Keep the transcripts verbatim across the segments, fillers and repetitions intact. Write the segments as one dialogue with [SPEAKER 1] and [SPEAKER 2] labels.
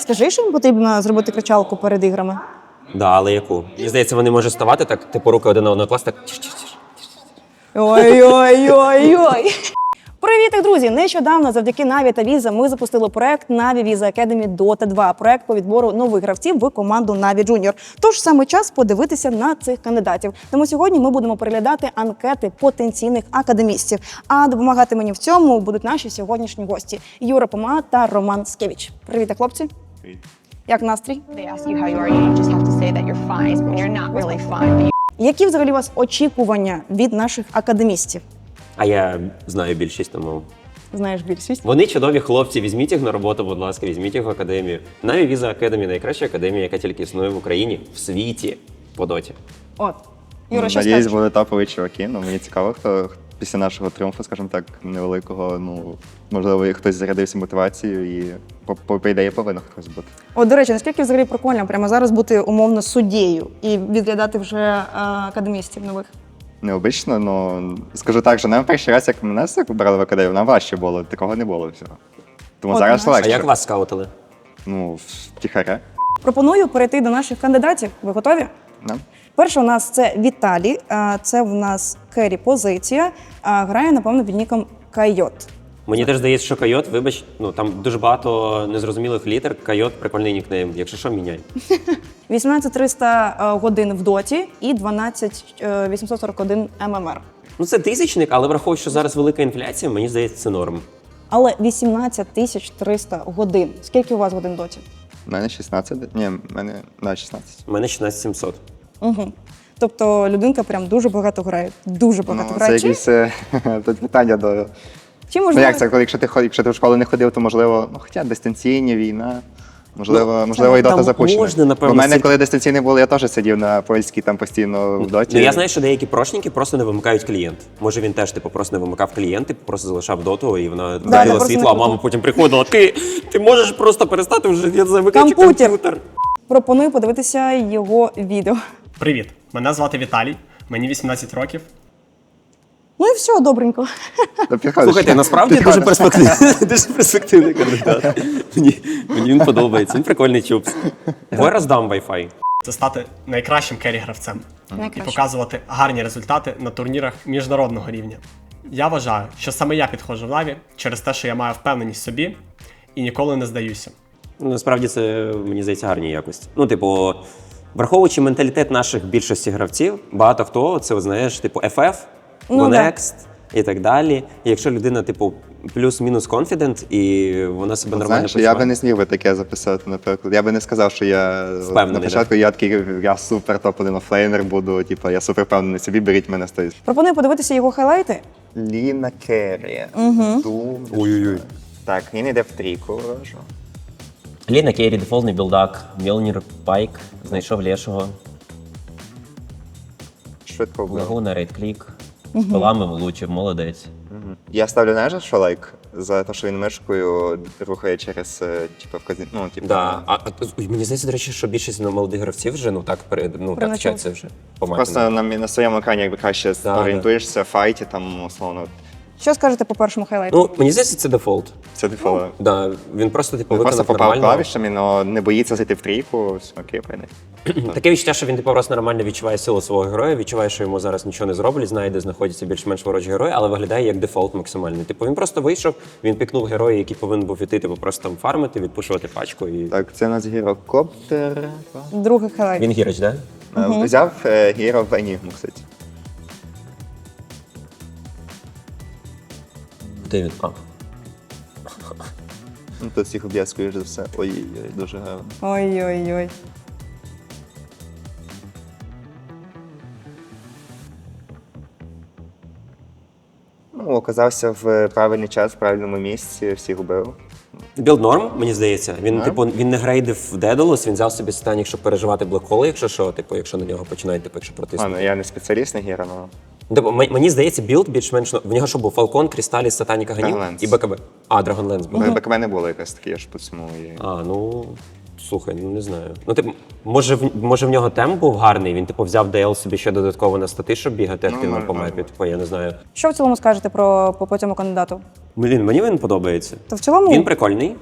[SPEAKER 1] Скажи, що їм потрібно зробити кричалку перед іграми?
[SPEAKER 2] Да, але яку? Мені здається, вони можуть ставати так, типу руки один на одного клас, так.
[SPEAKER 1] Ой-ой-ой-ой-ой. Привіт, друзі! Нещодавно завдяки Na'Vi та Visa ми запустили проект Na'Vi Visa Academy Dota два, проект по відбору нових гравців в команду Na'Vi Junior. Тож саме час подивитися на цих кандидатів. Тому сьогодні ми будемо переглядати анкети потенційних академістів. А допомагати мені в цьому будуть наші сьогоднішні гості Юра Пома та Роман Скевич. Привіт, хлопці!
[SPEAKER 3] Привіт.
[SPEAKER 1] Як настрій?
[SPEAKER 4] They ask you how you are, you just have to say that you're fine when you're not really fine. But you
[SPEAKER 1] Які взагалі у вас очікування від наших академістів?
[SPEAKER 2] А я знаю більшість, тому.
[SPEAKER 1] Знаєш більшість?
[SPEAKER 2] Вони чудові хлопці, візьміть їх на роботу, будь ласка, візьміть їх в академію. Na'Vi Visa Academy – найкраща академія, яка тільки існує в Україні, в світі, по доті.
[SPEAKER 1] От. Юра, що
[SPEAKER 3] Надіюсь,
[SPEAKER 1] скажеш?
[SPEAKER 3] були топові чуваки. Ну, мені цікаво, хто після нашого тріумфу, скажімо так, невеликого, ну, можливо, хтось зарядився мотивацією і, по, по, по ідеї, повинен хтось бути.
[SPEAKER 1] От, до речі, наскільки взагалі прикольно прямо зараз бути умовно суддєю і відглядати вже е, академістів нових?
[SPEAKER 3] Необично, ну, скажу так, що нам перший раз, як мене вибрали в академію, нам важче було, такого не було всього. Тому
[SPEAKER 1] От,
[SPEAKER 3] зараз
[SPEAKER 1] знаєш.
[SPEAKER 2] А
[SPEAKER 3] легше.
[SPEAKER 2] як вас скаутили?
[SPEAKER 3] Ну, втіхаря.
[SPEAKER 1] Пропоную перейти до наших кандидатів. Ви готові?
[SPEAKER 3] Да?
[SPEAKER 1] Перший у нас це Віталій, е, це в нас керрі позиція, е, грає, напевно, під ніком Кайот.
[SPEAKER 2] Мені теж здається, що Кайот, вибач, ну там дуже багато незрозумілих літер. Кайот – прикольний нікнейм. Якщо що, міняй.
[SPEAKER 1] вісімнадцять триста е, годин в доті і дванадцять вісімсот сорок один ем ем ар.
[SPEAKER 2] Ну це тисячник, але враховуючи, що зараз велика інфляція, мені здається, це норм.
[SPEAKER 1] Але вісімнадцять тисяч триста годин. Скільки у вас годин в доті?
[SPEAKER 3] У мене шістнадцять, ні, в мене, да, шістнадцять.
[SPEAKER 2] У мене шістнадцять сімсот.
[SPEAKER 1] Угу. Тобто людинка прям дуже багато грає. Дуже багато
[SPEAKER 3] Ну,
[SPEAKER 1] грає.
[SPEAKER 3] це
[SPEAKER 1] Чи-
[SPEAKER 3] якісь е, тут питання до...
[SPEAKER 1] Чи
[SPEAKER 3] Ну
[SPEAKER 1] можливо?
[SPEAKER 3] як це, коли якщо ти ход- якщо ти в школу не ходив, то можливо, ну хоча дистанційні, війна, можливо, можливо, і
[SPEAKER 2] там
[SPEAKER 3] дота запущена.
[SPEAKER 2] можна, напевно,
[SPEAKER 3] У мене,
[SPEAKER 2] сидіти.
[SPEAKER 3] коли дистанційні були, я теж сидів на польській там постійно в доті.
[SPEAKER 2] Ну я знаю, що деякі прошники просто не вимикають клієнт. Може він теж типу просто не вимикав клієнт, типу просто залишав доту, і вона
[SPEAKER 1] да,
[SPEAKER 2] горіла
[SPEAKER 1] просто
[SPEAKER 2] світло, а
[SPEAKER 1] не
[SPEAKER 2] мама потім приходила. Ти, ти можеш просто перестати вже я замикати
[SPEAKER 1] Комп'ютер.
[SPEAKER 2] комп'ютер.
[SPEAKER 1] Пропоную подивитися його відео.
[SPEAKER 5] Привіт, мене звати Віталій, мені вісімнадцять років.
[SPEAKER 1] Ну і все, добренько.
[SPEAKER 3] Та підходиш.
[SPEAKER 2] Слухайте, насправді дуже перспективний, дуже перспективний кандидат. Мені, мені він подобається, він прикольний чупс. Давай роздам Wi-Fi.
[SPEAKER 5] Це стати найкращим керрі-гравцем і
[SPEAKER 1] Найкращим.
[SPEAKER 5] показувати гарні результати на турнірах міжнародного рівня. Я вважаю, що саме я підходжу в Na'Vi через те, що я маю впевненість в собі і ніколи не здаюся.
[SPEAKER 2] Ну, насправді це, мені здається, гарні якості. Ну, типу, враховуючи менталітет наших більшості гравців, багато хто, це, от, знаєш, типу, еф еф,
[SPEAKER 1] Ну,
[SPEAKER 2] Go
[SPEAKER 1] да.
[SPEAKER 2] Next і так далі. І якщо людина, типу, плюс-мінус confident, і вона себе нормально
[SPEAKER 3] Знаєш, я би
[SPEAKER 2] почуває.
[SPEAKER 3] не зміг би таке записати, наприклад. Я би не сказав, що я
[SPEAKER 2] Впевнений,
[SPEAKER 3] на початку я такий, я супер топ-один офлейнер буду, типу, я супер впевнений в собі, беріть мене з тої.
[SPEAKER 1] Пропоную подивитися його хайлайти.
[SPEAKER 3] Ліна Керрі. Угу.
[SPEAKER 2] Ой-ой-ой.
[SPEAKER 3] Так, він йде в трійку, ворожу.
[SPEAKER 2] Ліна Керрі, дефолтний білдак, Мьолнір Пайк, знайшов лешого,
[SPEAKER 3] Швидко вбив.
[SPEAKER 2] Лагуна, рейд-клік, з пилами влучив, молодець.
[SPEAKER 3] Я ставлю, знаєш, що лайк? За те, що він мишкою рухає через, е, типу, вказі... ну, типу,
[SPEAKER 2] Да. А, а, ой, мені здається, до речі, що більшість ну, молодих гравців вже ну, так, перед, ну, так
[SPEAKER 1] Прямо
[SPEAKER 2] вчаться вже. по
[SPEAKER 3] Просто
[SPEAKER 2] матінам.
[SPEAKER 3] на, на своєму екрані якби краще
[SPEAKER 2] Да,
[SPEAKER 3] орієнтуєшся в файті, там, условно,
[SPEAKER 1] Що скажете по першому хайлайту?
[SPEAKER 2] Ну, мені здається, це дефолт.
[SPEAKER 3] це дефолт.
[SPEAKER 2] Да, він просто типу
[SPEAKER 3] Він просто
[SPEAKER 2] виконав
[SPEAKER 3] попав
[SPEAKER 2] нормально.
[SPEAKER 3] клавішами, але не боїться зайти в трійку, все, окей, прийде.
[SPEAKER 2] Таке відчуття, що він типу просто нормально відчуває силу свого героя, відчуває, що йому зараз нічого не зроблять, знає, де знаходяться більш-менш ворожі герої, але виглядає як дефолт максимальний. Типу він просто вийшов, він пікнув героя, який повинен був іти, типу просто там фармити, відпушувати пачку і.
[SPEAKER 3] Так, це у нас гірокоптер.
[SPEAKER 1] Другий хайлайт.
[SPEAKER 2] Він гіроч, да?
[SPEAKER 3] Е, Взяв е, гіро в Енігму, кстати.
[SPEAKER 2] Де він? А.
[SPEAKER 3] Ну, тут всіх об'єд, скоріш за все. Ой-ой-ой, дуже гарно.
[SPEAKER 1] Ой-ой-ой.
[SPEAKER 3] Ну, оказався в правильний час, в правильному місці, всіх убив.
[SPEAKER 2] Білд норм, мені здається. Він,
[SPEAKER 3] Норм?
[SPEAKER 2] типу, він не грейдив Дедалус, він взяв собі Станік, щоб переживати блекхоли, якщо що, типу, якщо на нього починають, типу, якщо
[SPEAKER 3] А,
[SPEAKER 2] протиснути.
[SPEAKER 3] ну я не спеціаліст на гіро, але...
[SPEAKER 2] Типу, м- мені здається, білд більш-менш, ну, в нього що був Фалкон, Крісталіс, Сатаніка Ганів
[SPEAKER 3] Dragonlance.
[SPEAKER 2] і БКБ. А, Dragonlance був.
[SPEAKER 3] Ну, БКБ не було якось таке, я ж по цьому і...
[SPEAKER 2] А, ну слухай, ну не знаю. Ну типу, може в може в нього темп був гарний. Він типу взяв ДЛ собі ще додатково на стати, щоб бігати
[SPEAKER 3] Ну,
[SPEAKER 2] активно
[SPEAKER 3] може,
[SPEAKER 2] по
[SPEAKER 3] може
[SPEAKER 2] мапі.
[SPEAKER 3] бути.
[SPEAKER 2] Типу, я не знаю.
[SPEAKER 1] Що в цілому скажете про по, по цьому кандидату?
[SPEAKER 2] Блін, мені він подобається.
[SPEAKER 1] То в цілому
[SPEAKER 2] Він прикольний.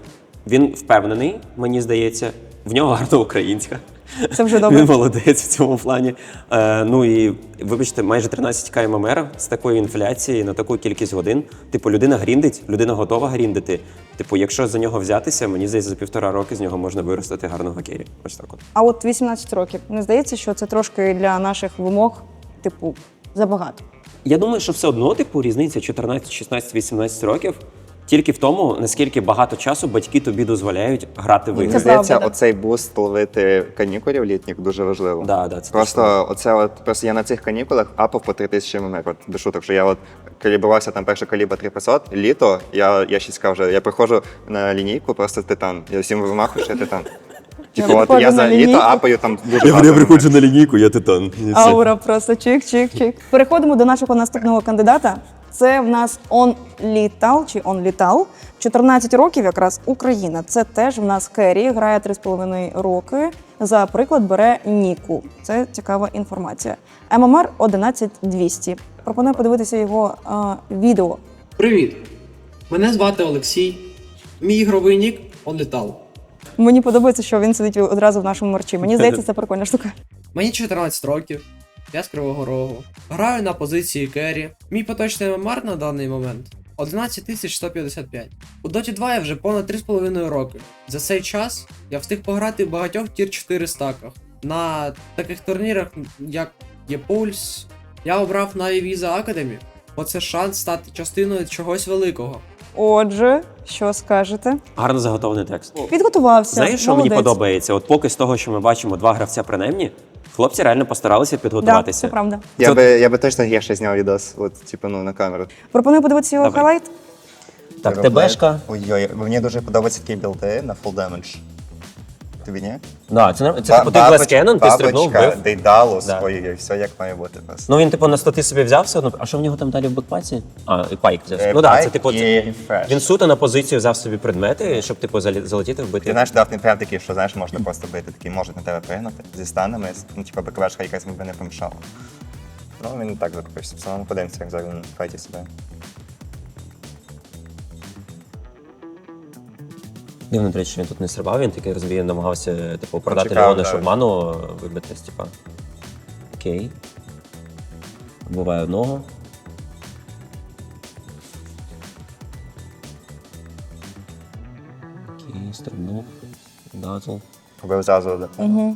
[SPEAKER 2] Він впевнений, мені здається, в нього гарна українська.
[SPEAKER 1] Це вже добре.
[SPEAKER 2] Він молодець в цьому плані. Е, ну і, вибачте, майже тринадцять тисяч ем ем ар з такої інфляції на таку кількість годин. Типу, людина гріндить, людина готова гріндити. Типу, якщо за нього взятися, мені здається, за півтора роки з нього можна виростити гарного керрі. Ось так от.
[SPEAKER 1] А от вісімнадцять років. Не здається, що це трошки для наших вимог, типу, забагато.
[SPEAKER 2] Я думаю, що все одно, типу, різниця чотирнадцять, шістнадцять, вісімнадцять років тільки в тому, наскільки багато часу батьки тобі дозволяють грати в
[SPEAKER 1] Це
[SPEAKER 2] ігри.
[SPEAKER 3] Мені здається,
[SPEAKER 1] правда, да.
[SPEAKER 3] оцей буст ловити канікулів літніх дуже важливо.
[SPEAKER 2] Да, да, це
[SPEAKER 3] Просто оце от просто я на цих канікулах апав по три тисячі ем ем ар. От без шуток, що я от калібрувався там перша калібра три п'ятсот, літо, я, я ще сказав, вже я приходжу на лінійку, просто титан. Я всім вимахую, що я титан. Типу, от
[SPEAKER 1] приходжу
[SPEAKER 3] я
[SPEAKER 1] на
[SPEAKER 3] за
[SPEAKER 1] лінійку.
[SPEAKER 3] літо апаю там дуже багато.
[SPEAKER 2] на лінійку, я титан.
[SPEAKER 1] Аура просто чик-чик-чик. Переходимо до нашого наступного кандидата. Це в нас Он Літал чи Он Літал. чотирнадцять років якраз Україна. Це теж в нас Керрі, грає три з половиною роки. За приклад бере Ніку. Це цікава інформація. ем ем ар одинадцять двісті. Пропоную подивитися його е, відео.
[SPEAKER 6] Привіт! Мене звати Олексій. Мій ігровий нік OnLetal.
[SPEAKER 1] Мені подобається, що він сидить одразу в нашому мерчі. Мені здається, це прикольна штука.
[SPEAKER 6] Мені чотирнадцять років. Я з Кривого Рогу. Граю на позиції керрі. Мій поточний ем ем ар на даний момент одинадцять тисяч сто п'ятдесят п'ять. У Доті два я вже понад три з половиною роки. За цей час я встиг пограти в багатьох тір чотири стаках. На таких турнірах, як є Pulse, я обрав Na'Vi Visa Academy, бо це шанс стати частиною чогось великого.
[SPEAKER 1] Отже, що скажете?
[SPEAKER 2] Гарно заготовлений текст.
[SPEAKER 1] Підготувався.
[SPEAKER 2] Знаєш, що
[SPEAKER 1] Молодець.
[SPEAKER 2] мені подобається? От поки з того, що ми бачимо два гравця принаймні, хлопці реально постаралися
[SPEAKER 1] Да,
[SPEAKER 2] підготуватися.
[SPEAKER 1] це правда.
[SPEAKER 3] Я
[SPEAKER 2] Це-
[SPEAKER 3] би, я би точно гірше зняв відос, от, типу, ну, на камеру.
[SPEAKER 1] Пропоную подивитися його
[SPEAKER 2] Добре.
[SPEAKER 1] хайлайт.
[SPEAKER 2] Так, ТБшка.
[SPEAKER 3] Ой-ой, мені дуже подобаються такі білди на full damage. Тобі ні?
[SPEAKER 2] Да, це норм- це типу ти Glass Cannon, ти стрибнув,
[SPEAKER 3] Бабочка,
[SPEAKER 2] вбив.
[SPEAKER 3] Дейдалус,
[SPEAKER 2] Да.
[SPEAKER 3] ой-ой-ой, все як має бути просто.
[SPEAKER 2] Ну він типу на стати собі взяв все одно. А що в нього там далі в бекпаці? А, і пайк взяв.
[SPEAKER 3] Е,
[SPEAKER 2] Ну так, це
[SPEAKER 3] пайк
[SPEAKER 2] типу.
[SPEAKER 3] і
[SPEAKER 2] це-
[SPEAKER 3] рефреш.
[SPEAKER 2] Він суто на позицію взяв собі предмети, щоб типу залі- залетіти вбити.
[SPEAKER 3] Ти знаєш, дав не прям такий, що знаєш, можна просто бити, такий можуть на тебе пригнути зі станами, ну, типу, БКВшка якась би не помішала. Ну, він не так закупився. Все одно подивимося, як зараз він в файті себе.
[SPEAKER 2] Дивно, до речі, що він тут не стрибав, він такий розбій, намагався типу продати
[SPEAKER 3] Чекав,
[SPEAKER 2] Леона,
[SPEAKER 3] да.
[SPEAKER 2] щоб ману вибитись, типа. Окей. Вбиває одного. Окей, стрибнув. Дазл.
[SPEAKER 3] Побив зразу, да. Угу.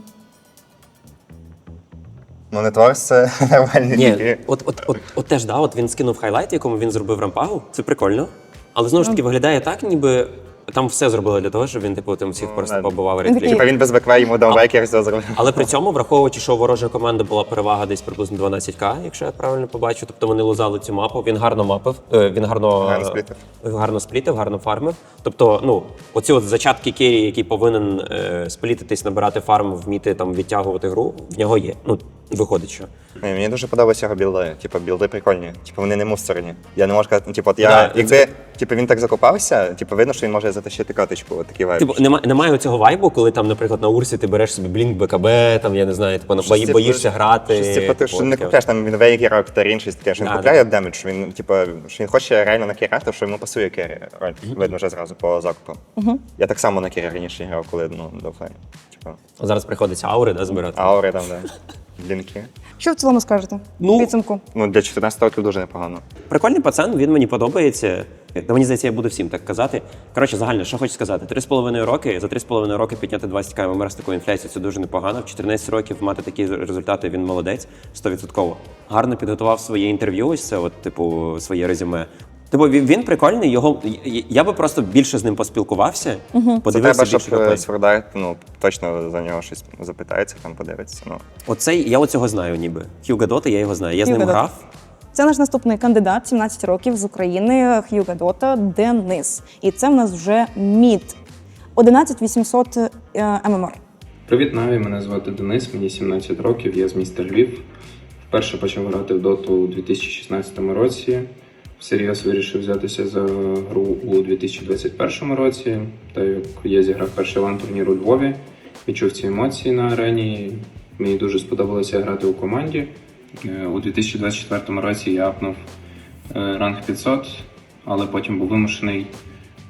[SPEAKER 3] Ну, не Торс, це нормальні
[SPEAKER 2] Ні,
[SPEAKER 3] ліки.
[SPEAKER 2] от, от, от, от теж, да, от він скинув хайлайт, якому він зробив рампагу. Це прикольно. Але знову ж таки виглядає так, ніби там все зробили для того, щоб він типу тим всіх просто
[SPEAKER 3] да.
[SPEAKER 2] побивав
[SPEAKER 1] Він такий-
[SPEAKER 2] реклі.
[SPEAKER 3] Типа він без БКВ йому дав векер, все зробив.
[SPEAKER 2] Але при цьому, враховуючи, що у ворожої команди була перевага десь приблизно дванадцять тисяч, якщо я правильно побачу, тобто вони лузали цю мапу, він гарно мапив, е, він гарно,
[SPEAKER 3] Гарно сплітив.
[SPEAKER 2] гарно сплітив, гарно фармив. Тобто, ну, оці от зачатки керрі, який повинен е, сплітитись, набирати фарм, вміти там відтягувати гру, в нього є. Ну, виходить, що.
[SPEAKER 3] Ні, мені дуже подобаються його білди. Типу, білди прикольні. Типу, вони не мусорні. Я не можу сказати, ну, типу, от я,
[SPEAKER 2] Да,
[SPEAKER 3] якби типу, він так закопався, типу, видно, що він може затащити каточку, от такий вайб.
[SPEAKER 2] Типу, немає, немає цього вайбу, коли там, наприклад, на Урсі ти береш собі блінк БКБ, там, я не знаю, типу,
[SPEAKER 3] Щось
[SPEAKER 2] бої,
[SPEAKER 3] типу-
[SPEAKER 2] боїшся грати.
[SPEAKER 3] Щось, типу, ти
[SPEAKER 2] типу,
[SPEAKER 3] що не
[SPEAKER 2] таке.
[SPEAKER 3] купляєш там він вейгер, Октарін, щось таке, що він
[SPEAKER 2] Да,
[SPEAKER 3] купляє
[SPEAKER 2] да.
[SPEAKER 3] демедж, що він, типу, що він хоче реально на керрі, що йому пасує керрі. Роль. Видно вже зразу по закупу. Я так само на керрі раніше грав, коли, ну, до флей. Типу,
[SPEAKER 2] Зараз приходиться аури, да, збирати.
[SPEAKER 3] аури там, да. Блінки.
[SPEAKER 1] Що в цілому скажете?
[SPEAKER 2] Ну,
[SPEAKER 1] В підсумку.
[SPEAKER 3] Ну, для чотирнадцяти років дуже непогано.
[SPEAKER 2] Прикольний пацан, він мені подобається. Та мені здається, я буду всім так казати. Коротше, загально, що хочу сказати, три з половиною роки, за три з половиною роки підняти двадцять тисяч ем ем ар з такою інфляцією, це дуже непогано. В чотирнадцять років мати такі результати, він молодець, сто відсотків. Гарно підготував своє інтерв'ю, ось це, от, типу, своє резюме. Типу, він, він прикольний, його, я- я би просто більше з ним поспілкувався,
[SPEAKER 3] Це
[SPEAKER 2] подивився
[SPEAKER 3] треба, щоб
[SPEAKER 2] більше геймплей.
[SPEAKER 3] Свердайт, ну, точно за нього щось запитається, там подивиться. Ну.
[SPEAKER 2] Оцей, я оцього знаю ніби. Хьюго Дота, я його знаю. Я з
[SPEAKER 1] Хьюго
[SPEAKER 2] ним
[SPEAKER 1] Дота.
[SPEAKER 2] грав.
[SPEAKER 1] Це наш наступний кандидат, сімнадцять років з України, Хьюго Дота, Денис. І це в нас вже мід. одинадцять вісімсот ем ем ар.
[SPEAKER 7] Привіт, Наві, мене звати Денис, мені сімнадцять років, я з міста Львів. Вперше почав грати в доту у дві тисячі шістнадцятому році. Всерйоз вирішив взятися за гру у дві тисячі двадцять першому році. Та як я зіграв перший лан-турнір у Львові, відчув ці емоції на арені. Мені дуже сподобалося грати у команді. Е, У дві тисячі двадцять четвертому році я апнув е, ранг п'ятсот, але потім був вимушений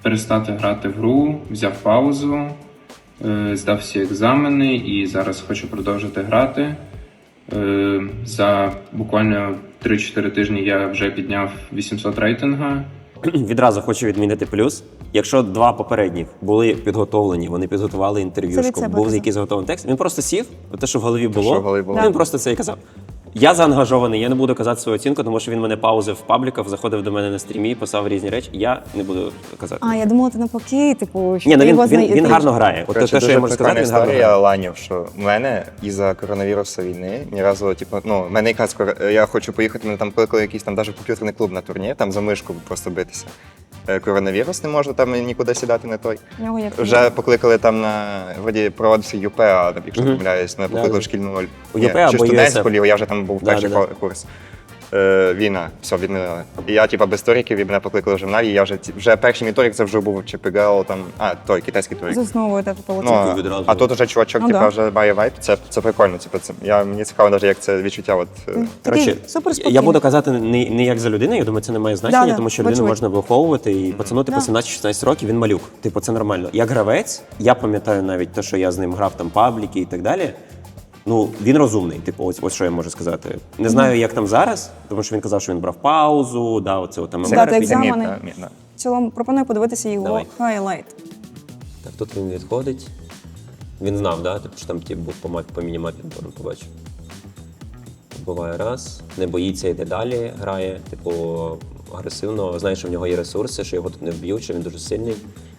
[SPEAKER 7] перестати грати в гру, взяв паузу, е, здав всі екзамени і зараз хочу продовжити грати. Е, За буквально три-чотири тижні я вже підняв вісімсот рейтинга.
[SPEAKER 2] Відразу хочу відмінити плюс. Якщо два попередніх були підготовлені, вони підготували
[SPEAKER 1] Це
[SPEAKER 2] інтерв'юшку,
[SPEAKER 1] від себе
[SPEAKER 2] був
[SPEAKER 1] казав.
[SPEAKER 2] якийсь готовий текст, він просто сів, те, що в голові було,
[SPEAKER 3] що в голові було.
[SPEAKER 2] він просто це і казав. Я заангажований, я не буду казати свою оцінку, тому що він мене паузив в пабліках, заходив до мене на стрімі, писав різні речі. Я не буду казати.
[SPEAKER 1] А, я думала, ти навпаки, типу, що
[SPEAKER 2] Ні, ну
[SPEAKER 1] ти
[SPEAKER 2] він,
[SPEAKER 1] його
[SPEAKER 2] він,
[SPEAKER 1] знає-
[SPEAKER 2] він
[SPEAKER 1] ти-
[SPEAKER 2] гарно грає. От те,
[SPEAKER 3] Коротше,
[SPEAKER 2] що я
[SPEAKER 3] дуже
[SPEAKER 2] можу
[SPEAKER 3] прикольна
[SPEAKER 2] сказати, він гарно
[SPEAKER 3] історія
[SPEAKER 2] грає.
[SPEAKER 3] ланів, що в мене із-за коронавірусу війни ні разу, типу, ну, в мене якраз кор- я хочу поїхати, мене там кликали якийсь там навіть комп'ютерний клуб на турнір, там за мишку просто битися. Е, Коронавірус, не можу там нікуди сідати, не той.
[SPEAKER 1] В нього як
[SPEAKER 3] Вже покликали там на, вроді, проводився ЮП, а якщо не
[SPEAKER 2] Мгм.
[SPEAKER 3] помиляюсь, мене покликали
[SPEAKER 2] Да.
[SPEAKER 3] в шкільну
[SPEAKER 2] У
[SPEAKER 3] ні,
[SPEAKER 2] ЮП
[SPEAKER 3] чи
[SPEAKER 2] або
[SPEAKER 3] студентську
[SPEAKER 2] ЮСФ.
[SPEAKER 3] лігу, я вже там був
[SPEAKER 2] Да,
[SPEAKER 3] перший
[SPEAKER 2] да, да.
[SPEAKER 3] курс. Е, Війна, все, відмінили. І я, типа, без торіків, і мене покликали вже в Наві, я вже, ті- вже перший мій торік, це вже був ЧПГЛ, там, а, той, китайський торік.
[SPEAKER 1] з основою тебе полетів.
[SPEAKER 3] Ну,
[SPEAKER 2] відразу.
[SPEAKER 3] а тут уже чувачок,
[SPEAKER 1] Ну,
[SPEAKER 3] типа,
[SPEAKER 1] да.
[SPEAKER 3] вже має вайп, це, це прикольно. Типа, це, я, мені цікаво, навіть, як це відчуття. От, е,
[SPEAKER 1] Такий
[SPEAKER 2] Коротше,
[SPEAKER 1] супер спокійний.
[SPEAKER 2] я буду казати не, не як за людину, я думаю, це не має значення,
[SPEAKER 1] Да-да,
[SPEAKER 2] тому що людину
[SPEAKER 1] очевидь.
[SPEAKER 2] можна виховувати і пацану типу
[SPEAKER 1] Да.
[SPEAKER 2] сімнадцять-шістнадцять років, він малюк. Типу, це нормально. Як гравець, я пам'ятаю навіть те, що я з ним грав там пабліки і так далі. Ну, він розумний, типу, ось, ось що я можу сказати. Не знаю, як там зараз, тому що він казав, що він брав паузу, да, оце от там
[SPEAKER 1] Здати
[SPEAKER 2] ем ем ар
[SPEAKER 3] це мід,
[SPEAKER 1] екзамени.
[SPEAKER 3] да, мід, да.
[SPEAKER 1] В цілому пропоную подивитися його
[SPEAKER 2] Давай.
[SPEAKER 1] хайлайт.
[SPEAKER 2] Так, тут він відходить. Він знав, да? Типу, що там тип був по, мап- по мінімапі, напевно, побачив. Буває раз, не боїться, йде далі, грає, типу, агресивно, знає, що в нього є ресурси, що його тут не вб'ють, що він дуже сильний.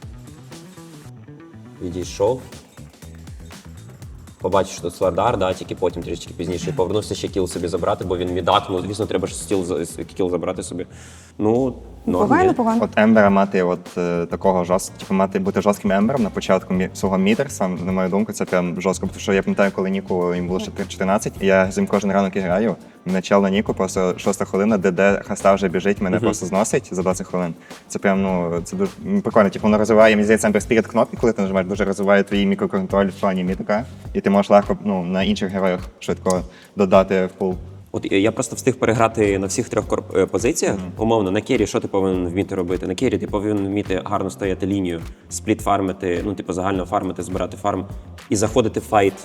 [SPEAKER 2] Відійшов. Побачив, що тут Слардар, да, тільки потім трішки пізніше повернувся ще кіл собі забрати, бо він мідак, ну, звісно, треба ж стіл, за- кіл забрати собі. Ну, норм,
[SPEAKER 1] Погано,
[SPEAKER 2] є.
[SPEAKER 1] погано.
[SPEAKER 3] От Ембера мати от е, такого жорсткого, типу мати бути жорстким ембером на початку мі- свого мідерса, на мою думку, це прям жорстко. Тому що я пам'ятаю, коли Ніку їм було ще чотирнадцять, і я з ним кожен ранок і граю. Мене чел на Ніку, просто шоста хвилина, де де хаста вже біжить, мене просто зносить за двадцять хвилин. Це прям, ну, це дуже м, прикольно. Типу, воно розвиває, мені здається, Ембер Спіріт кнопки, коли ти нажимаєш, дуже розвиває твій мікроконтроль в плані мітика, і ти можеш легко ну, на інших героях швидко додати в пул.
[SPEAKER 2] От я просто встиг переграти на всіх трьох кор- е, позиціях. Умовно, на кері що ти повинен вміти робити? На кері ти повинен вміти гарно стояти лінію, спліт фармити, ну, типу, загально фармити, збирати фарм і заходити в файт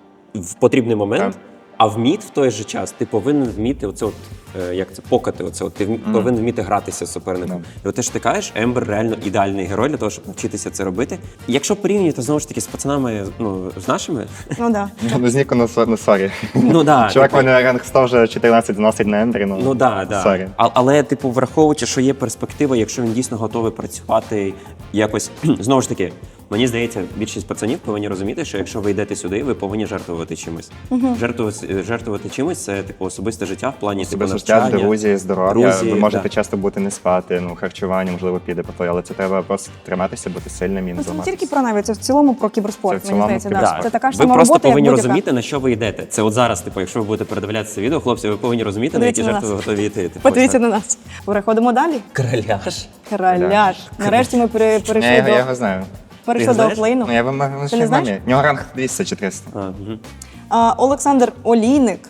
[SPEAKER 2] в потрібний момент.
[SPEAKER 3] Так.
[SPEAKER 2] А в мід в той же час ти повинен вміти оце от, е, як це, покати, оце от, ти вмі- повинен вміти гратися з суперником. І от те, що ти кажеш, Ембер реально ідеальний герой для того, щоб навчитися це робити. І якщо порівнювати, знову ж таки, з пацанами, ну, з нашими,
[SPEAKER 1] Ну так. Да.
[SPEAKER 3] Ну, з Ніку, ну, со- ну, сорі.
[SPEAKER 2] ну да.
[SPEAKER 3] Чувак,
[SPEAKER 2] типу,
[SPEAKER 3] мене ранг сто вже чотирнадцять зносить на Ембері, ну,
[SPEAKER 2] Ну да, да.
[SPEAKER 3] сорі.
[SPEAKER 2] А, але, типу, враховуючи, що є перспектива, якщо він дійсно готовий працювати якось знову ж таки, мені здається, більшість пацанів повинні розуміти, що якщо ви йдете сюди, ви повинні жертвувати чимось. Жертвувати, жертвувати чимось це типу особисте життя в плані типу,
[SPEAKER 3] Особисте життя,
[SPEAKER 2] навчання.
[SPEAKER 3] друзі, здоров'я.
[SPEAKER 2] друзі,
[SPEAKER 3] Ви можете
[SPEAKER 2] да.
[SPEAKER 3] часто бути не спати, ну, харчування, можливо, піде по твоє, але це треба просто триматися, бути сильним і не
[SPEAKER 1] Ну, це не
[SPEAKER 3] зламатися.
[SPEAKER 1] тільки про навіть, це в цілому про кіберспорт,
[SPEAKER 3] Це в
[SPEAKER 1] мені
[SPEAKER 3] цілому
[SPEAKER 1] здається.
[SPEAKER 3] про
[SPEAKER 1] Да.
[SPEAKER 2] Так.
[SPEAKER 1] Це така ж
[SPEAKER 2] ви
[SPEAKER 1] сама
[SPEAKER 2] просто
[SPEAKER 1] робота, як
[SPEAKER 2] повинні
[SPEAKER 1] будь-яка.
[SPEAKER 2] розуміти, на що ви йдете. Це от зараз, типу, якщо ви будете передивлятися це відео, хлопці, ви повинні розуміти,
[SPEAKER 1] Подивіться
[SPEAKER 2] на які
[SPEAKER 1] на
[SPEAKER 2] жертви
[SPEAKER 1] нас.
[SPEAKER 2] ви готові йти. Типу,
[SPEAKER 1] Подивіться
[SPEAKER 2] ось так.
[SPEAKER 1] на нас. Переходимо далі.
[SPEAKER 2] Краляш.
[SPEAKER 1] Краляш. Нарешті ми пере-
[SPEAKER 3] Я,
[SPEAKER 1] перейшли
[SPEAKER 3] його- я
[SPEAKER 1] до,
[SPEAKER 3] його знаю.
[SPEAKER 1] перейшли
[SPEAKER 2] Ти
[SPEAKER 1] до
[SPEAKER 2] знаєш?
[SPEAKER 1] офлейну.
[SPEAKER 3] Ну, я вам можу
[SPEAKER 1] Ти
[SPEAKER 3] ще
[SPEAKER 1] не
[SPEAKER 3] в
[SPEAKER 1] знаєш?
[SPEAKER 3] мамі. У нього ранг двісті чи триста.
[SPEAKER 2] А, угу.
[SPEAKER 1] А, Олександр Олійник,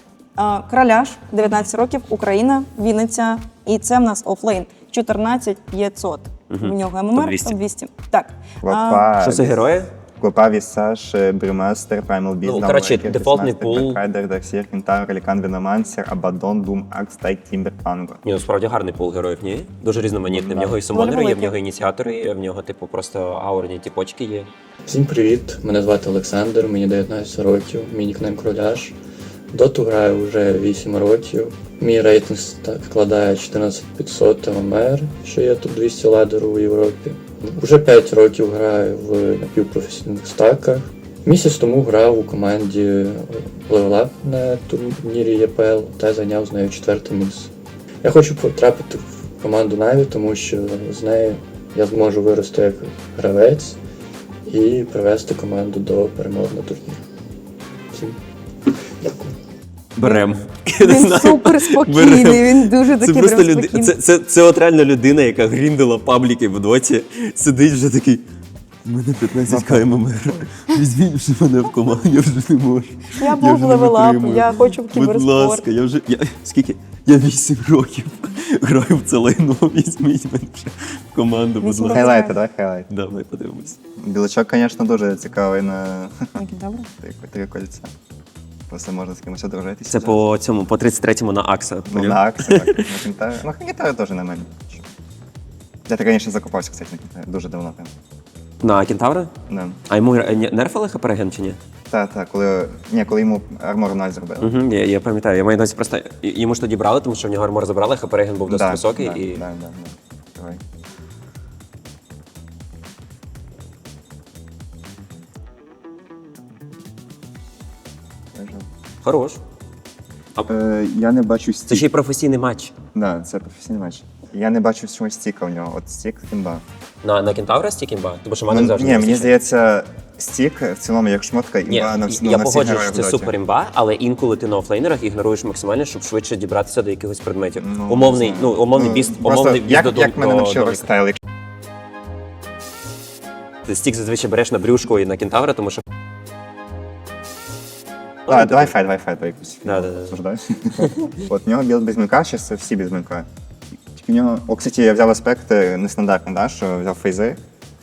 [SPEAKER 1] а, Краляш, дев'ятнадцять років, Україна, Вінниця. І це в нас офлейн. чотирнадцять п'ятсот. В нього ем ем ар
[SPEAKER 2] топ двісті.
[SPEAKER 1] топ двісті. Так. А,
[SPEAKER 3] Клопа,
[SPEAKER 2] Що це герої?
[SPEAKER 3] Клопа, Вісаж, Брюмастер, Primal Beast,
[SPEAKER 2] Ну, коротше, дефолтний пул.
[SPEAKER 3] Райдер, Дарксір, Кентавр, Елікан, Веномансер, Абадон, Дум, Акс, Тайк, Тімбер, Панго.
[SPEAKER 2] Ні, ну справді гарний пул героїв, ні? Дуже різноманітний. В нього і сумонери є, в
[SPEAKER 1] великий.
[SPEAKER 2] нього ініціатори є, в нього, типу, просто аурні тіпочки є.
[SPEAKER 8] Всім привіт! Мене звати Олександр, мені дев'ятнадцять років, мій нікнейм Кроляш. Доту граю вже вісім років. Мій рейтинг ста- складає чотирнадцять п'ятсот ем ем ар, що є тут двісті ладеру у Європі. Уже п'ять років граю в напівпрофесійних стаках. Місяць тому грав у команді Level Up на турнірі є пе ел та зайняв з нею четверте місце. Я хочу потрапити в команду Наві, тому що з нею я зможу вирости як гравець і привести команду до перемоги на турнірі. Всім дякую.
[SPEAKER 2] Берем.
[SPEAKER 1] Він супер спокійний, він дуже
[SPEAKER 2] Це
[SPEAKER 1] такий
[SPEAKER 2] просто
[SPEAKER 1] прям
[SPEAKER 2] люди...
[SPEAKER 1] спокійний.
[SPEAKER 2] це, це, це от реально людина, яка гріндила пабліки в доті, сидить вже такий. У мене п'ятнадцять ка ем ем ер. Візьміть вже мене в команду, я вже не можу.
[SPEAKER 1] Я був левелап, я хочу в кіберспорт.
[SPEAKER 2] Будь ласка, я вже. Я, скільки? Я вісім років граю в це лайно, візьміть мене вже в команду, будь
[SPEAKER 1] Вісім
[SPEAKER 2] ласка.
[SPEAKER 3] Хайлайти, давай хайлайт.
[SPEAKER 2] Давай подивимось.
[SPEAKER 3] Білочок, звісно, дуже цікавий на
[SPEAKER 1] Добре.
[SPEAKER 3] три, три кольця. Просто можна з кимось одружитися.
[SPEAKER 2] Це по цьому, по тридцять третьому на Акса.
[SPEAKER 3] Ну, на Аксі, так. На Кентаві. Ну, Кентаві теж на мене. Я так, звісно, закупався, кстати, на Кентаві. Дуже давно прям.
[SPEAKER 2] На Кентавра?
[SPEAKER 3] Да.
[SPEAKER 2] А йому е, ні- нерфили хапереген чи ні?
[SPEAKER 3] Так, так, коли, ні, коли йому армор ноль зробили.
[SPEAKER 2] Угу, я, я пам'ятаю. Я маю на увазі просто й- йому ж тоді брали, тому що в нього армор забрали, хапереген був досить
[SPEAKER 3] Да,
[SPEAKER 2] високий.
[SPEAKER 3] да,
[SPEAKER 2] і...
[SPEAKER 3] да, да, да. Давай.
[SPEAKER 2] Хорош.
[SPEAKER 3] Е, я не бачу стік.
[SPEAKER 2] Це ще й професійний матч.
[SPEAKER 3] Да, це професійний матч. Я не бачу чогось стіка у нього. От стік імба.
[SPEAKER 2] На, на Кентавра стік імба? Тому що мене
[SPEAKER 3] Ну,
[SPEAKER 2] завжди
[SPEAKER 3] ні,
[SPEAKER 2] не
[SPEAKER 3] мені
[SPEAKER 2] вистачає.
[SPEAKER 3] здається, стік в цілому як шмотка імба
[SPEAKER 2] Ні,
[SPEAKER 3] на, всі- ну,
[SPEAKER 2] я
[SPEAKER 3] на всіх
[SPEAKER 2] погоджуюсь,
[SPEAKER 3] героїв
[SPEAKER 2] що це
[SPEAKER 3] в доті.
[SPEAKER 2] супер імба, але інколи ти на офлейнерах ігноруєш максимально, щоб швидше дібратися до якихось предметів.
[SPEAKER 3] Ну,
[SPEAKER 2] умовний,
[SPEAKER 3] не
[SPEAKER 2] ну,
[SPEAKER 3] знаю.
[SPEAKER 2] умовний
[SPEAKER 3] Ну,
[SPEAKER 2] біст,
[SPEAKER 3] просто
[SPEAKER 2] умовний біст
[SPEAKER 3] як,
[SPEAKER 2] до
[SPEAKER 3] як мене
[SPEAKER 2] до-
[SPEAKER 3] навчив
[SPEAKER 2] до-
[SPEAKER 3] рестайл,
[SPEAKER 2] Ти стік зазвичай береш на брюшку і на кентавра, тому що.
[SPEAKER 3] А, давай файт, давай файт, якусь.
[SPEAKER 2] Да, да, да.
[SPEAKER 3] Обсуждай. От в нього білд без мілка, зараз всі без мілка. Тільки в нього, о, кстати, я взяв аспекти нестандартні, да, що взяв фейзи.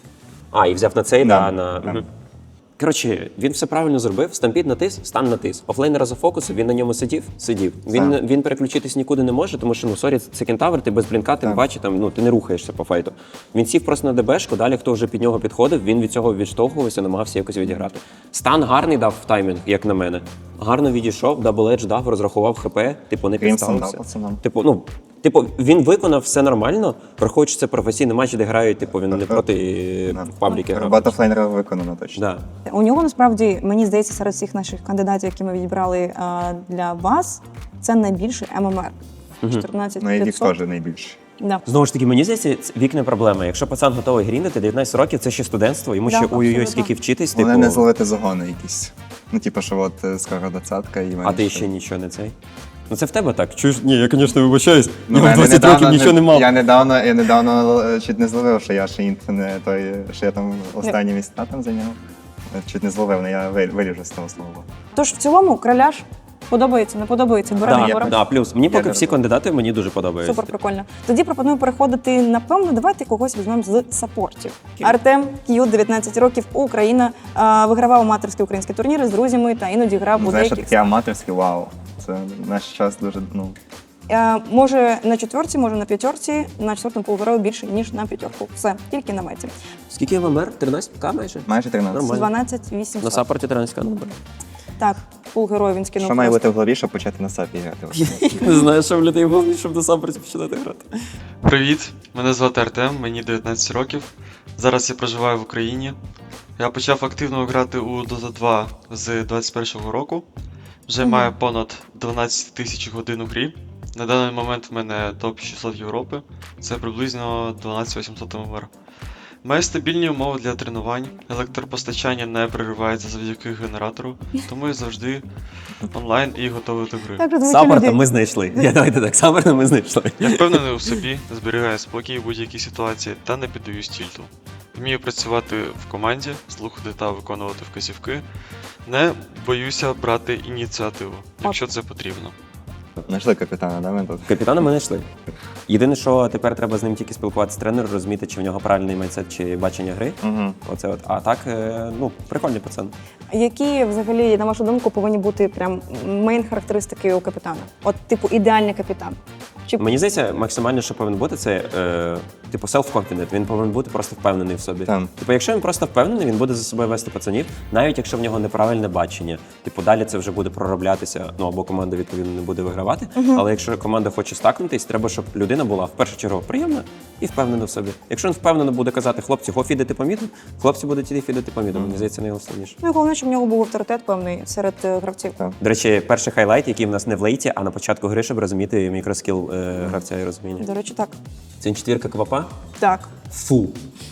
[SPEAKER 2] А, і взяв на цей,
[SPEAKER 3] Да,
[SPEAKER 2] да, на.
[SPEAKER 3] да.
[SPEAKER 2] Мгм. Коротше, він все правильно зробив. Стампід натис, стан натис. Офлейнера за фокусу, він на ньому сидів, сидів. Він,
[SPEAKER 3] Так.
[SPEAKER 2] він переключитись нікуди не може, тому що, ну, сорі, це кентавр, ти без блінка, ти не
[SPEAKER 3] Так.
[SPEAKER 2] бачиш, там, ну, ти не рухаєшся по файту. Він сів просто на ДБшку, далі хто вже під нього підходив, він від цього відштовхувався, намагався якось відіграти. Стан гарний дав в таймінг, як на мене. Гарно відійшов, дабл едж дав, розрахував ХП, типу, не
[SPEAKER 3] Крімсон дав
[SPEAKER 2] підставився.
[SPEAKER 3] пацанам.
[SPEAKER 2] Типу, ну, типу, він виконав все нормально, враховуючи це професійний матч, де грають, типу, він не проти е, пабліки грав.
[SPEAKER 3] Робота флейнера виконана точно.
[SPEAKER 2] Да.
[SPEAKER 1] У нього насправді, мені здається, серед всіх наших кандидатів, які ми відібрали а, для вас, це найбільший ем ем ер. чотирнадцять
[SPEAKER 3] Ну і Вік
[SPEAKER 1] п'ятсот.
[SPEAKER 3] теж найбільше.
[SPEAKER 1] Да.
[SPEAKER 2] Знову ж таки, мені здається, це- вік не проблема. Якщо пацан готовий гріндити, дев'ятнадцять років це ще студентство, йому
[SPEAKER 1] Да,
[SPEAKER 2] ще ой-ой-ой,
[SPEAKER 1] абсолютно.
[SPEAKER 2] скільки вчитись,
[SPEAKER 3] Головне
[SPEAKER 2] типу,
[SPEAKER 3] не зловити загони якісь. Ну, типу, що от е, скоро двадцятка і
[SPEAKER 2] а ти
[SPEAKER 3] менше.
[SPEAKER 2] ще нічого не цей. Ну це в тебе так. Чуєш? Ні, я, звісно, вибачаюсь.
[SPEAKER 3] Ну,
[SPEAKER 2] я в
[SPEAKER 3] я
[SPEAKER 2] двадцять
[SPEAKER 3] недавно
[SPEAKER 2] років нічого не мав.
[SPEAKER 3] Я недавно, я недавно е, чуть не зловив, що я ще інт не той, що я там останні місця там зайняв. Е, Чуть не зловив, але я ви- виріжу з того слова.
[SPEAKER 1] Тож в цілому краляш подобається, не подобається, беремо
[SPEAKER 2] Да,
[SPEAKER 3] я
[SPEAKER 1] беремо.
[SPEAKER 2] да, плюс. Мені поки
[SPEAKER 3] не
[SPEAKER 2] всі
[SPEAKER 3] роблю.
[SPEAKER 2] кандидати мені дуже подобаються.
[SPEAKER 1] Супер прикольно. Тоді пропоную переходити, напевно, давайте когось візьмемо з саппортів. Артем К'ют, дев'ятнадцять років, Україна, а, вигравав аматорські українські турніри з друзями та іноді грав у
[SPEAKER 3] Ну, знаєш,
[SPEAKER 1] деяких.
[SPEAKER 3] таке аматорське вау. Це наш час дуже, ну,
[SPEAKER 1] Е, Може на четверці, може на п'ятерці, на четвертому полуграв більше, ніж на п'ятерку. Все, тільки на меті.
[SPEAKER 2] Скільки ем ем ер? тринадцять ка майже?
[SPEAKER 3] майже тринадцять.
[SPEAKER 2] Нормально.
[SPEAKER 1] дванадцять
[SPEAKER 2] На
[SPEAKER 1] вісімсот.
[SPEAKER 2] саппорті тринадцять ка номер.
[SPEAKER 1] Так, пул герой він скинув.
[SPEAKER 3] Що має
[SPEAKER 1] просто.
[SPEAKER 3] бути в голові, щоб почати на сапі грати?
[SPEAKER 2] Не знаю, що в людей в голові, щоб на саппорті починати грати.
[SPEAKER 9] Привіт, мене звати Артем, мені дев'ятнадцять років. Зараз я проживаю в Україні. Я почав активно грати у Dota два з двадцять першого року. Вже маю понад дванадцять тисяч годин у грі. На даний момент в мене топ шістсот Європи. Це приблизно дванадцять вісімсот ем ем ер. Маю стабільні умови для тренувань. Електропостачання не переривається завдяки генератору, тому я завжди онлайн і готовий до гри.
[SPEAKER 1] Так, розумію,
[SPEAKER 2] Саппорта
[SPEAKER 1] люди.
[SPEAKER 2] ми знайшли. Я давайте так, саппорта ми знайшли.
[SPEAKER 9] Я впевнений у собі, зберігаю спокій у будь-якій ситуації та не піддаюсь тільту. Вмію працювати в команді, слухати та виконувати вказівки. Не боюся брати ініціативу, якщо це потрібно.
[SPEAKER 3] Знайшли капітана, да, ми тут?
[SPEAKER 2] Капітана ми знайшли. Єдине, що тепер треба з ним тільки спілкуватися з тренером, розуміти, чи в нього правильний майндсет, чи бачення гри.
[SPEAKER 3] Угу.
[SPEAKER 2] Оце от. А так, е, ну, прикольний пацан.
[SPEAKER 1] Які взагалі, на вашу думку, повинні бути прям мейн характеристики у капітана? От, типу, ідеальний капітан. Чи
[SPEAKER 2] Мені здається, максимально, що повинен бути, це е, типу self-confident. Він повинен бути просто впевнений в собі.
[SPEAKER 3] Так.
[SPEAKER 2] Типу, якщо він просто впевнений, він буде за собою вести пацанів, навіть якщо в нього неправильне бачення. Типу, далі це вже буде пророблятися, ну або команда відповідно не буде вигравати. Але якщо команда хоче стакнутись, треба, щоб людина була в першу чергу приємна і впевнена в собі. Якщо він впевнено буде казати, хлопці, го фідити по міду, хлопці будуть іти фідити по міду. Мені здається, найголовніше.
[SPEAKER 1] Ну, і головне, щоб в нього був авторитет певний серед е, гравців.
[SPEAKER 3] Так.
[SPEAKER 2] До речі, перший хайлайт, який в нас не в лейті, а на початку гри, щоб розуміти мікроскіл е, гравця і розуміння.
[SPEAKER 1] До речі, так.
[SPEAKER 2] Це не четвірка квапа?
[SPEAKER 1] Так.
[SPEAKER 2] Фу.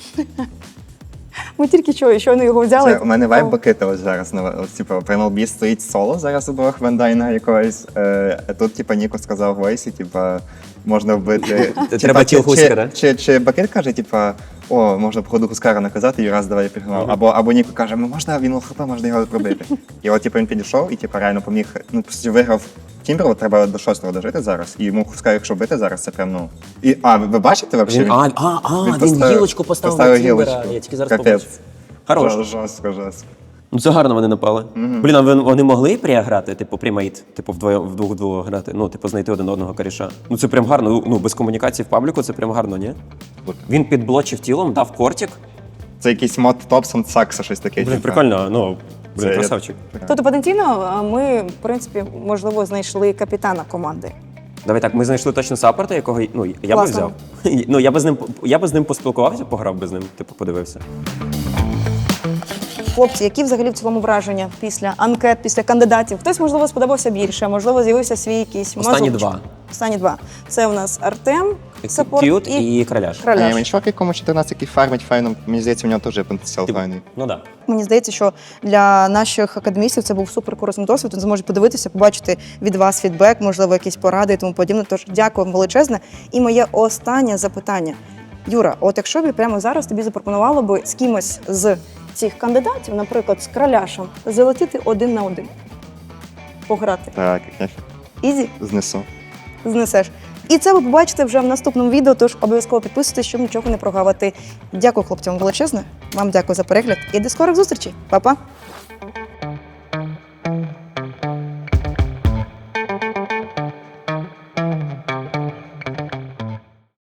[SPEAKER 1] Ми тільки чого, щойно його взяли.
[SPEAKER 3] Це у мене вайб Бакита ось зараз. Ну, от, типу, при ем ел бі стоїть соло зараз у двох Вендайна якогось. Е, а тут, типу, Ніко сказав Войсі, типу, можна вбити.
[SPEAKER 2] Треба
[SPEAKER 3] Типа, чи-
[SPEAKER 2] тіл Гуська,
[SPEAKER 3] чи-
[SPEAKER 2] да?
[SPEAKER 3] Чи, чи Бакит каже, типу, о, можна походу Хускара наказати, і раз давай я підгнав. Або, або Ніко каже, ну можна, він ЛХП, можна його пробити. І от типу, він підійшов і типу, реально поміг, ну, по суті, виграв Тімберу, треба до шостого дожити зараз. І йому Хускар, якщо бити зараз, це прям, ну... І, а, ви бачите взагалі?
[SPEAKER 2] Він, а, а, а, він,
[SPEAKER 3] поставив-
[SPEAKER 2] гілочку поставив,
[SPEAKER 3] поставив
[SPEAKER 2] на Тімбера.
[SPEAKER 3] гілочку.
[SPEAKER 2] Я тільки зараз
[SPEAKER 3] Капець.
[SPEAKER 2] побачив. Хорош.
[SPEAKER 3] Жо- Жорстко, жорстко.
[SPEAKER 2] Ну це гарно вони напали. Блін, а вони, вони могли пріграти, типу, прімейт, типу, вдвоє, вдвох-двох грати, ну, типу, знайти один одного коріша. Ну це прям гарно, ну, ну, без комунікації в пабліку це прям гарно, ні? Він підблочив тілом, дав кортик.
[SPEAKER 3] Це якийсь мод Топсон Сакса, щось таке.
[SPEAKER 2] Блін,
[SPEAKER 3] типу.
[SPEAKER 2] прикольно, ну, блін,
[SPEAKER 3] Це-
[SPEAKER 2] красавчик.
[SPEAKER 1] Тобто потенційно а, ми, в принципі, можливо, знайшли капітана команди.
[SPEAKER 2] Давай так, ми знайшли точно саппорта, якого, ну, я би
[SPEAKER 1] Класно.
[SPEAKER 2] взяв. Ну, я би з ним, я би з ним поспілкувався, пограв би з ним, типу, подивився.
[SPEAKER 1] Хлопці, які взагалі в цілому враження після анкет, після кандидатів? Хтось, можливо, сподобався більше, можливо, з'явився свій якийсь
[SPEAKER 2] Останні
[SPEAKER 1] мазочок.
[SPEAKER 2] два.
[SPEAKER 1] Останні два. Це у нас Артем, саппорт
[SPEAKER 2] К'ют
[SPEAKER 1] і
[SPEAKER 2] і краляш.
[SPEAKER 3] А
[SPEAKER 1] Краляш.
[SPEAKER 3] я мені чувак, якому чотирнадцять, який фармить файно, мені здається, у нього теж є потенціал
[SPEAKER 2] Типу,
[SPEAKER 3] файний.
[SPEAKER 2] Ну так. Да.
[SPEAKER 1] Мені здається, що для наших академістів це був супер корисний досвід. Вони зможуть подивитися, побачити від вас фідбек, можливо, якісь поради і тому подібне. Тож дякую вам величезне. І моє останнє запитання. Юра, от якщо б прямо зараз тобі запропонувало би з кимось з цих кандидатів, наприклад, з Краляшем, залетіти один на один, пограти.
[SPEAKER 3] Так, я
[SPEAKER 1] Ізі?
[SPEAKER 3] знесу.
[SPEAKER 1] Знесеш. І це ви побачите вже в наступному відео, тож обов'язково підписуйтесь, щоб нічого не прогавити. Дякую хлопцям величезне. Вам дякую за перегляд і до скорих зустрічей. Па-па!